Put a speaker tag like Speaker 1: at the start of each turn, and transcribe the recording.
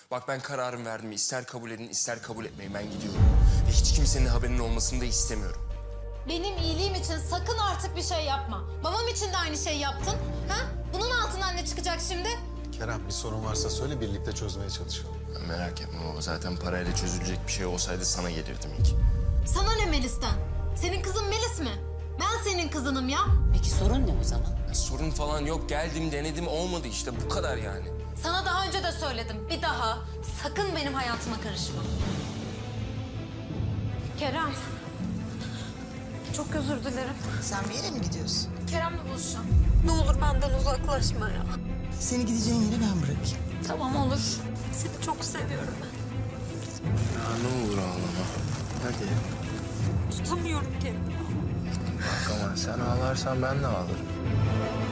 Speaker 1: Bak ben kararımı verdim. İster kabul edin, ister kabul etmeyin. Ben gidiyorum. Ve hiç kimsenin haberinin olmasını da istemiyorum.
Speaker 2: Benim iyiliğim için sakın artık bir şey yapma. Babam için de aynı şey yaptın. Ha? Bunun altından ne çıkacak şimdi?
Speaker 3: Kerem, bir sorun varsa söyle, birlikte çözmeye çalışalım.
Speaker 1: Ya merak etme baba. Zaten parayla çözülecek bir şey olsaydı sana gelirdim ilk.
Speaker 2: Sana ne Melis'ten? Senin kızın Melis mi? Ben senin kızınım ya.
Speaker 4: Peki sorun ne o zaman?
Speaker 1: Ya sorun falan yok. Geldim, denedim. Olmadı işte. Bu kadar yani.
Speaker 2: Sana daha önce de söyledim. Bir daha sakın benim hayatıma karışma. Kerem. Çok özür dilerim.
Speaker 5: Sen bir yere mi gidiyorsun?
Speaker 2: Kerem'le buluşacağım. Ne olur benden uzaklaşma ya.
Speaker 5: Seni gideceğin yere ben bırakayım.
Speaker 2: Tamam olur. Seni çok seviyorum ben.
Speaker 1: Ya ne olur ağlama. Hadi.
Speaker 2: Tutamıyorum kendimi.
Speaker 1: Bak ama sen ağlarsan ben de ağlarım.